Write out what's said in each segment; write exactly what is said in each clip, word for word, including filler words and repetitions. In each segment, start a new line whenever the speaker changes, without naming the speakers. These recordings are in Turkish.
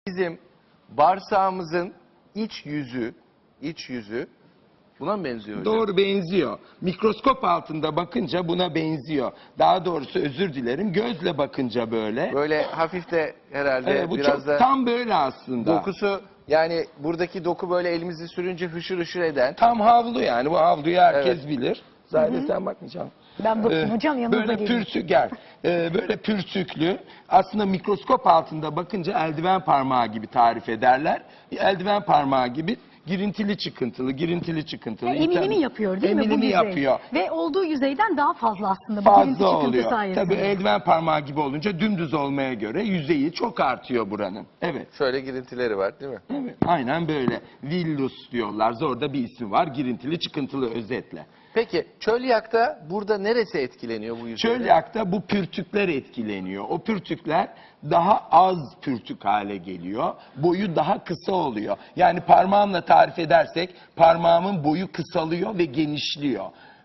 Bizim bağırsağımızın iç yüzü, iç yüzü buna mı benziyor hocam?
Doğru, benziyor. Mikroskop altında bakınca buna benziyor. Daha doğrusu özür dilerim, gözle bakınca böyle.
Böyle hafif de herhalde
Evet, bu
biraz
çok
da
tam böyle aslında.
dokusu, yani buradaki doku böyle elimizi sürünce hışır hışır eden.
Tam havlu yani, bu havluyu herkes
Evet.
bilir. Zahide sen bakmayacaksın.
Ben bakayım
Ee,
hocam, yanınıza
Böyle
geleyim.
pürsük gel. Ee, böyle pürsüklü. Aslında mikroskop altında bakınca eldiven parmağı gibi tarif ederler. Eldiven parmağı gibi girintili çıkıntılı, girintili çıkıntılı.
Emilimi yapıyor değil mi bu
Emilimi
yüzey?
yapıyor.
Ve olduğu yüzeyden daha fazla aslında bu girinti
Fazla
çıkıntı
oluyor.
sayesinde.
Tabii eldiven parmağı gibi olunca dümdüz olmaya göre yüzeyi çok artıyor buranın. Evet.
Şöyle girintileri var değil mi?
Evet. Aynen böyle. Villus diyorlar. Zorda bir ismi var. Girintili çıkıntılı özetle.
Peki çölyakta burada neresi etkileniyor bu yüzeyde?
Çölyakta bu pürtükler etkileniyor. O pürtükler daha az pürtük hale geliyor. Boyu daha kısa oluyor. Yani parmağımla tarif edersek parmağımın boyu kısalıyor ve genişliyor.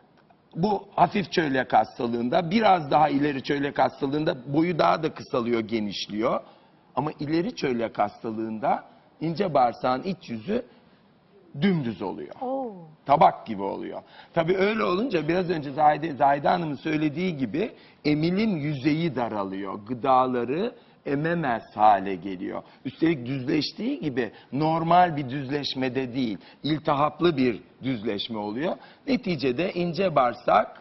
Bu hafif çölyak hastalığında, biraz daha ileri çölyak hastalığında boyu daha da kısalıyor, genişliyor. Ama ileri çölyak hastalığında ince bağırsağın iç yüzü dümdüz oluyor.
Oo.
Tabak gibi oluyor. Tabii öyle olunca biraz önce Zahide, Zahide Hanım'ın söylediği gibi emilim yüzeyi daralıyor. Gıdaları ememez hale geliyor. Üstelik düzleştiği gibi normal bir düzleşmede değil, iltihaplı bir düzleşme oluyor. Neticede ince bağırsak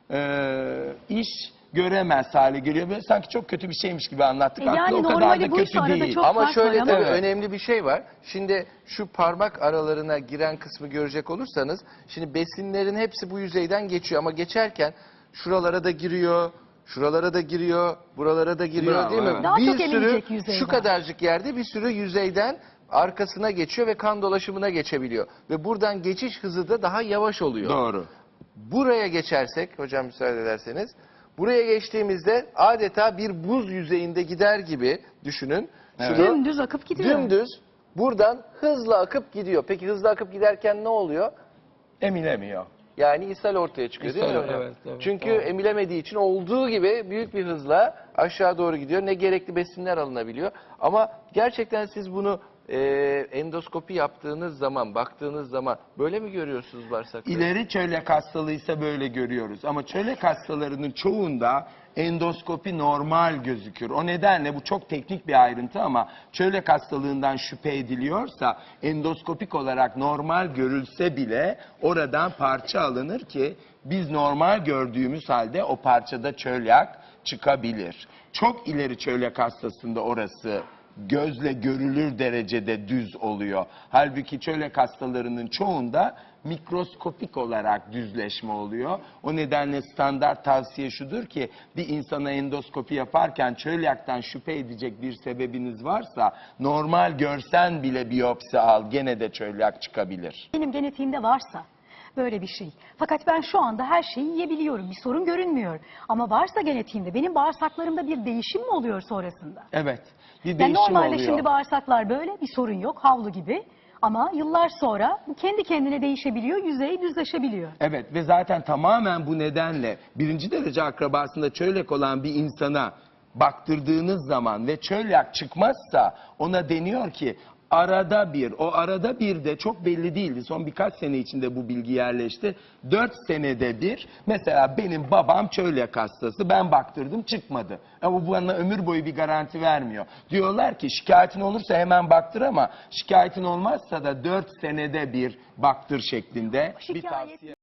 e, iş göremez hale geliyor. Böyle sanki çok kötü bir şeymiş gibi anlattık.
E yani
Aslında o kadar
normali
da
buysa
kötü
arada
değil.
çok-
Ama
fark
şöyle
var
tabii
ama-
önemli bir şey var. Şimdi şu parmak aralarına giren kısmı görecek olursanız, şimdi besinlerin hepsi bu yüzeyden geçiyor ama geçerken şuralara da giriyor, şuralara da giriyor, buralara da giriyor
Bravo,
değil mi?
evet.
Daha
bir
çok
sürü
emilecek yüzeyden.
şu kadarcık yerde bir sürü yüzeyden arkasına geçiyor ve kan dolaşımına geçebiliyor. Ve buradan geçiş hızı da daha yavaş oluyor.
Doğru.
Buraya geçersek, hocam müsaade ederseniz, buraya geçtiğimizde adeta bir buz yüzeyinde gider gibi düşünün.
Evet.
Şunu
Dümdüz akıp gidiyor.
dümdüz buradan hızla akıp gidiyor. Peki hızla akıp giderken ne oluyor?
Emilemiyor.
Yani ishal ortaya çıkıyor değil mi
İshal,
hocam?
evet, evet,
Çünkü
doğru.
emilemediği için olduğu gibi büyük bir hızla aşağı doğru gidiyor. Ne gerekli besinler alınabiliyor. Ama gerçekten siz bunu e, endoskopi yaptığınız zaman, baktığınız zaman böyle mi görüyorsunuz bağırsakları?
İleri çölyak hastalığıysa böyle görüyoruz. Ama çölyak hastalarının çoğunda endoskopi normal gözükür. O nedenle bu çok teknik bir ayrıntı ama çölyak hastalığından şüphe ediliyorsa endoskopik olarak normal görülse bile oradan parça alınır ki biz normal gördüğümüz halde o parçada çölyak çıkabilir. Çok ileri çölyak hastasında orası gözle görülür derecede düz oluyor. Halbuki çölyak hastalarının çoğunda mikroskopik olarak düzleşme oluyor. O nedenle standart tavsiye şudur ki bir insana endoskopi yaparken çölyaktan şüphe edecek bir sebebiniz varsa normal görsen bile biyopsi al, gene de çölyak çıkabilir.
Benim genetiğimde varsa böyle bir şey. Fakat ben şu anda her şeyi yiyebiliyorum. Bir sorun görünmüyor. Ama varsa genetiğimde benim bağırsaklarımda bir değişim mi oluyor sonrasında?
Evet, bir
Yani
değişim
normalde
oluyor.
şimdi bağırsaklar böyle, bir sorun yok, havlu gibi. Ama yıllar sonra bu kendi kendine değişebiliyor, yüzeyi düzleşebiliyor.
Evet ve zaten tamamen bu nedenle birinci derece akrabasında çölyak olan bir insana baktırdığınız zaman ve çölyak çıkmazsa ona deniyor ki arada bir, o arada bir de çok belli değildi. Son birkaç sene içinde bu bilgi yerleşti. Dört senede bir, mesela benim babam çölyak hastası, ben baktırdım çıkmadı. Ama bu bana ömür boyu bir garanti vermiyor. Diyorlar ki şikayetin olursa hemen baktır ama şikayetin olmazsa da dört senede bir baktır şeklinde bir
Şikayet-
tavsiye.